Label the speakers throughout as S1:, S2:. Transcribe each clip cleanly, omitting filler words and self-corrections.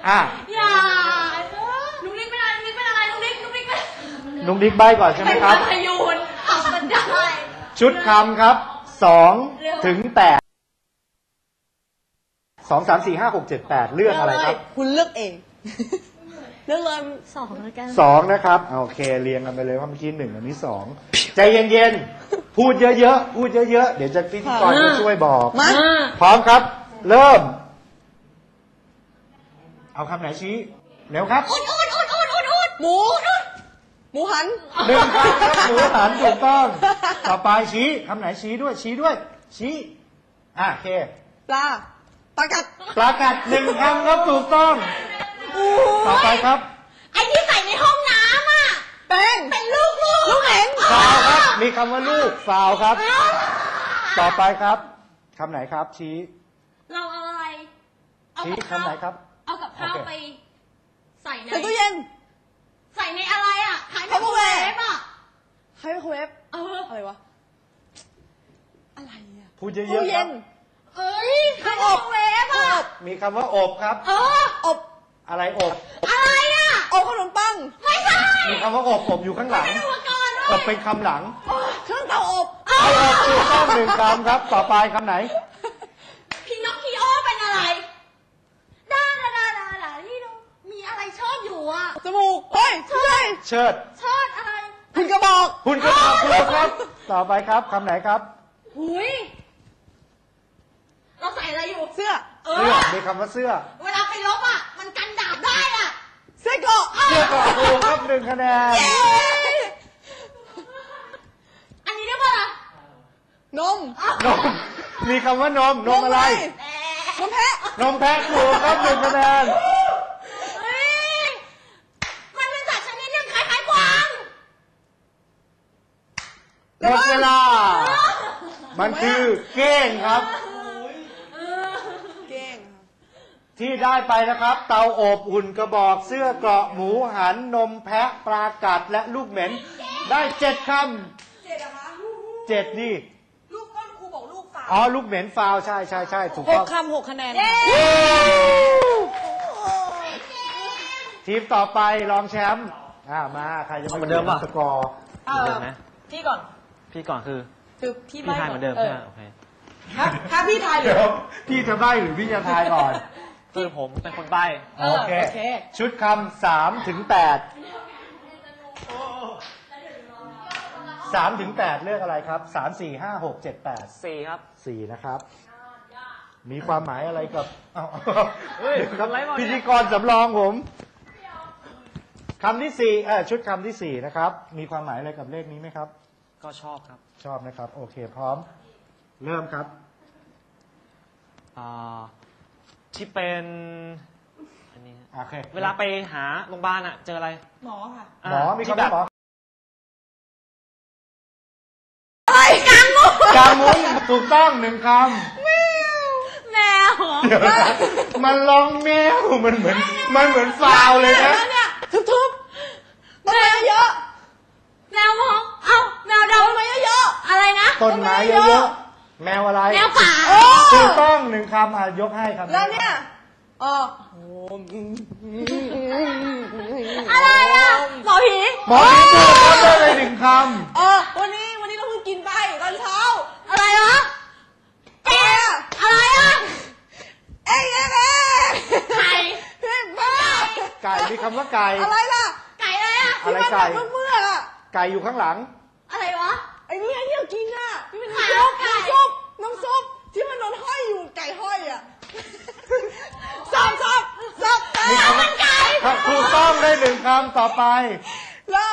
S1: อย่าลุงนิกเป็นอะไรลุงนิกเป็นอะไรลุงนิก
S2: ลุงนิกใบก่อนใช่ไหมครับ
S1: พยูนเอามันได้
S2: ชุดคำครับ2 ถึง 8 2 3 4 5 6 7 8เลือกอะไรครับ
S3: คุณเลือกเองเลือกเลย
S1: 2แล้วกัน
S2: 2นะครับโอเคเรียงกันไปเลยว่าเมื่อกี้1อันนี้2ใจเย็นๆพูดเยอะๆพูดเยอะๆเดี๋ยวจะพิธีกรจะช่วยบอกพร้อมครับเริ่มเอาคำไหนชี้เร็วครับ
S1: อุด
S3: หมูหัน
S2: 1 คำครับหมูหันถูกต้องต่อไปชี้คำไหนชี้ด้วยชี้โอเค
S3: ปลากัด
S2: 1 คำครับถูกต้องต่อไปครับ
S1: ไอ้ที่ใส่ในห้องน้ำอ่ะเป็นลูก
S3: เห็น
S2: ฟาวครับมีคำว่าลูกฟาวครับต่อไปครับคำไหนครับชี้
S1: เราเอาอะไร
S2: ชี้คำไหนครับ
S1: เอากับข้าวไปใส่ใน
S3: ตู้เย็น
S1: ใส่ในอะไรอ่ะไมโครเวฟอ่ะ
S3: ไมโครเวฟอะไรวะอะไรอ่ะ
S2: พูดเยอะๆครับ
S1: ไมโครเวฟอ่ะ
S2: มีคำว่าอบครับ
S3: อบ
S2: อะไรอบ
S1: อะไรอ่ะ
S3: อบขนมปัง
S1: ไม่ใช่
S2: มีคำว่าอบอยู่ข้างหลังอบเป็นคำหลัง
S3: เครื่องเตาอบ
S2: ถูกต้อง1 คำครับต่อไปคำไหน
S1: พี่นกพี่โอเป็นอะไรดานี่ดูมีอะไรชอบอยู่อ่ะ
S3: จมูกเฮ้ย
S2: เชิด
S1: อะไร
S3: หุ่นกระบอก
S2: ถูกครับต่อไปครับคำไหนครับ
S1: หุยเราใส่อะไรอยู่
S3: เสื้อ
S2: มีคำว่าเสื้อ
S1: เวลาไปรบอ่ะมันกันดาบได้อ่ะ
S3: เสื้อเกราะ
S2: ถูกครับ1 คะแนน
S1: อันนี้เรียกว่าอะไร
S3: นม
S2: มีคำว่านมอะไร
S3: นมแพะ
S2: ถูกครับ1 คะแนน
S1: มันเป็นสัตว์ชนิดหนึ่งคล้ายๆกวาง
S2: หมดเวลามันคือเก้งครับที่ได้ไปนะครับเตาอบหุ่นกระบอกเสื้อเกราะหมูหันนมแพะปลากัดและลูกเหม็นได้7 คำ7ดิ
S3: ลูกก้นครูบอกลูกฟาว
S2: ลูกเหม็นฟาวใช่ถูกต้อง
S3: 6 คำ 6 คะแนน
S2: ทีมต่อไปรองแชมป์มาใครจะมาเดิมสกอร์
S3: เดิมนะพี่ก่อน
S4: คือพี่ทายเหมือนเดิมใช่ไหมโอเค
S3: ถ้าพี่ทาย
S2: เดี๋ยวพี่จะใบ้หรือพี่จะทายก่อน
S4: คือผมเป็นคนใบ้
S2: โอเคชุดคำ3 ถึง 8 3 ถึง 8เลือกอะไรครับ3 4 5 6 7 8
S4: 4ครับ
S2: 4นะครับมีความหมายอะไรกับพิธีกรสำรองผมคำที่4ชุดคำที่4นะครับมีความหมายอะไรกับเลขนี้ไหมครับ
S4: ก็ชอบครับ
S2: ชอบนะครับโอเคพร้อมเริ่มครับ
S4: ที่เป็นอันนี้เวลาไปหาโรงพยาบาลเจออะไร
S3: หมอค่ะ
S2: หมอมีคำว่าหมอกางมุ้งถูกต้อง1 คำ
S1: แมว
S2: มันร้องแมวมันเหมือนฟาวเลยนะ
S3: ทุบต้นไม้เยอะ
S1: แมวมองแมวดำ
S3: ต้นไม้เยอะ
S1: อะไรนะ
S2: ต้นไม้เยอะแมวอะไร
S1: แมวป่า
S2: ถูกต้อง1 คำยกให้ครับ
S3: แล้วเนี่ย
S1: อะไรหมอผี
S2: ถูกต้องได้เลย1 ค
S3: ำวันนี้เราเพิ่งกินไปตอนเช้า
S1: อะไรวะอะไร
S3: ไก่
S2: ไก่มีคำว่าไก่
S3: อะไรล่ะ
S1: ไก่อะไร
S2: อะไรไก่ไก่อยู่ข้างหลัง
S1: อะไรวะ
S3: ไอ้นี่ที่เรากินที่เป็นน้ำซุปที่มันนอนห้อยอยู่ไก่ห้อยซับ
S1: มันไก่
S2: ถูกต้องได้1 คำต่อไป
S3: แล้ว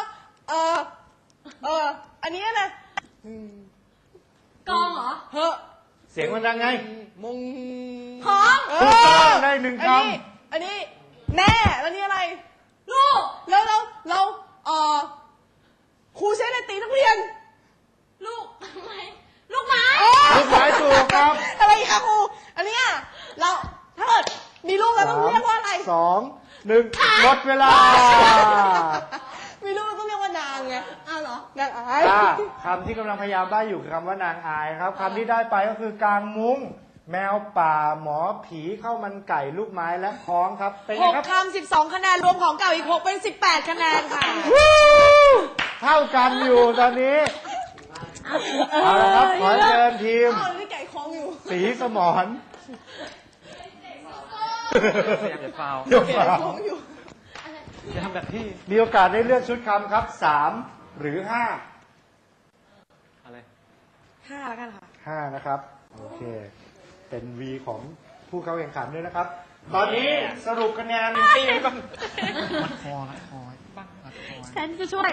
S3: อันนี้นะ
S1: กองเหรอ
S2: เสียงมันดังไง
S3: มง
S1: พร้อม
S2: ถูกต้องได้1 ค
S3: ำอันนี้แม่แล้วนี่อะไร
S1: ลูก
S3: แล้วเราครูใช้อะไรตีนักเรียน
S1: ลูกไม้ถูก
S2: ครับ
S3: อะไรคะครูอันนี้เราถ้าเกิดมีลูกแล้วต้องเรียกว่าอะไร
S2: 2 1หมดเวลา
S3: มีลูกต้องเรียกว่านางไง
S1: เหร
S3: อนางอาย
S2: คำที่กำลังพยายามได้อยู่คือคำว่านางอายครับคำที่ได้ไปก็คือกางมุ้งแมวป่าหมอผีข้าวมันไก่ลูกไม้และคล้องครับเป็นไงครับ
S3: 6 คำ 12 คะแนน รวมของเก่าอีก 6 เป็น 18 คะแนนค่ะ
S2: เท่ากันอยู่ตอนนี้เอาละครับขอเชิญทีม
S3: อ้าวนี่ไก่คล้องอยู่
S2: สีสมร
S4: พยายามจะฟาว
S2: เดี๋ยว
S3: ไก่
S2: มา
S3: คล้องอยู่
S4: จะทำแบบที่
S2: มีโอกาสได้เลือกชุดคำครับ3หรือ5
S4: อะไร
S3: 5 แล้วกันค่ะ
S2: 5นะครับโอเคเป็น V ของผู้เข้าแข่งขันด้วยนะครับ ตอนนี้สรุปคะแนน
S4: ตีกันก่อนรัดคอรัดคอบ้างรัดคอ
S1: ฉันจะช่วย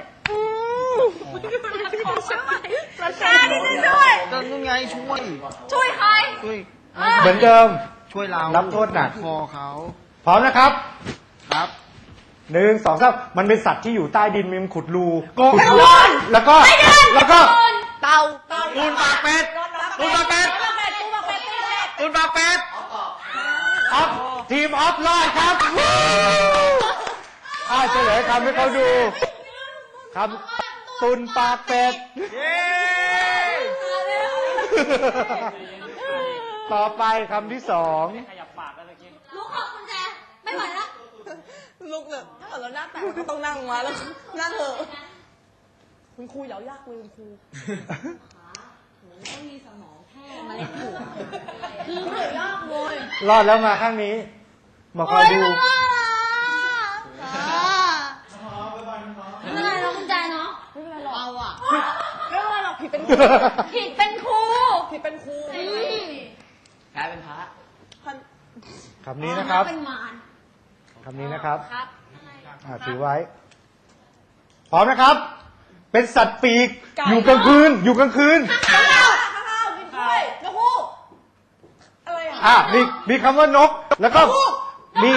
S1: ช่วย
S3: ราคาที่จะช่วย
S5: ก็ยังไงช่วย
S1: ช่วยใคร
S5: ช่วย
S2: เหมือนเดิม
S5: ช่วยเรา
S2: รับโทษหนัก
S5: คอเขา
S2: พร้อมนะครับ
S5: ครับ
S2: 1 2 3มันเป็นสัตว์ที่อยู่ใต้ดินมันขุดรู
S5: โกง
S2: ขุดรูแล้วก็
S3: เต่า
S5: ตูนปากเป็ดตูนปากเป็ดตูนปากเป็ด
S2: ออฟทีมออฟรอดครับเฉลยคำให้เขาดูคำตุนปากเป็ด
S5: เย้
S2: ต่อไปคำที่2
S4: ขยับปากแล้วเมื่อกี้
S1: ลูกขอบคุณแจไม่ไหวแล้ว
S3: ลูกเนี่ยถ้าเกิดเราหน้าแตกก็ต้องนั่งมาแล้วนั่งเถอะคุณครูอย่าเอายากคุยคุณครู
S1: ต้องมีสมองแค่มาเล่นหัวคือเหนื่อยยากเลย
S2: รอดแล้วมาข้างนี้ มาคอยดู
S1: ไม่เป็นไรเราคุณแจเนาะ
S3: ไม่เป็นไรหรอก
S1: เอาอะ
S3: ไม่เป็นไรหรอกผิดเป็นครู
S1: ผิดเป็นครู
S3: ผิดเป็นครู
S5: กลายเป็นพระ
S3: พัน
S2: คำนี้นะครับ
S1: เป็นมาร
S2: คำนี้นะครับ
S1: ครับ
S2: ถือไว้ พร้อมนะครับ เป็นสัตว์ปีก อยู่กลางคืน อยู่กลางคืน
S3: ข้าวกินกล้วยนกฮูกอะไรอ่ะ
S2: มีคำว่านก แล้วก็มี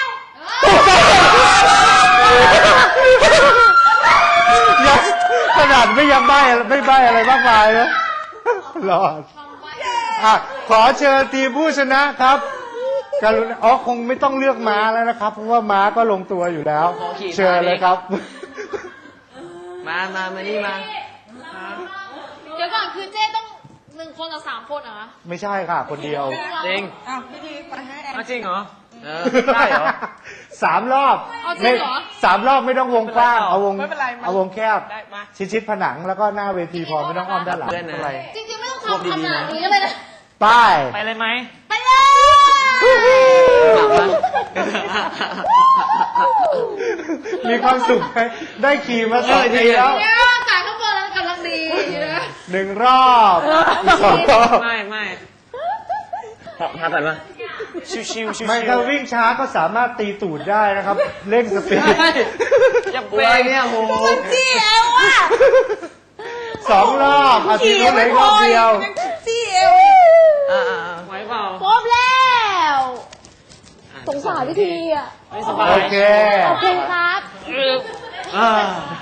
S2: ยังขนาดไม่ใบ้อะไรมากมายนะรอดขอเชิญทีมผู้ชนะครับกรุณาคงไม่ต้องเลือกม้าแล้วนะครับ เพราะว่าม้าก็ลงตัวอยู่แล้ว เชิญเลยครับ
S5: มานี่มา
S1: เดี๋ยวก่อนคือเจ้ต้อง1 คนกับ3 คนเหรอ
S2: ไม่ใช่ค่ะ คนเดียว
S4: จริง
S3: อ้าวพี่ดีไปให้แอน
S4: จริงเหรอ
S5: ได้เหรอ
S2: 3 รอบ
S1: เอาจริงเหรอ
S2: 3 รอบไม่ต้องวงกว้างเอาวง
S3: ไม่เป็นไร
S2: เอาวงแคบ
S3: ได้มา
S2: ชิดผนังแล้วก็หน้าเวทีพอไม่ต้องอ้อมด้านหลัง
S5: เพื่อนนะ
S2: อะไร
S1: จริงๆไม่ต้องทำขนาดนี้ก็เลยนะ
S2: ป้าย
S4: ไปเลยไหม
S1: ไปเลย
S2: มีความสุขไหมได้ขี่มา2 ทีแล้ว
S1: เนี่ยจ่ายข้างบนแล้วกำลังดีนะ
S2: 1 รอบอีก2 รอบ
S4: ไม่
S5: พาก่อนมา
S4: ชิวๆ
S2: ไม่ถ้าวิ่งช้าก็สามารถตีตูดได้นะครับ เร่งสปีด
S4: อย่า
S5: ตัว
S4: เบรก
S5: เนี่ยโห
S3: จี้เอวอ่ะ
S2: 2 รอบอาทิตย์ละรอบเดียว
S3: จี้เอว
S4: ไหวเปล่า
S1: ครบแล้วสงสารพี่ทีอ่ะ
S4: ไม่สบาย
S2: โอเค
S1: ขอบคุณครับ
S4: อ่า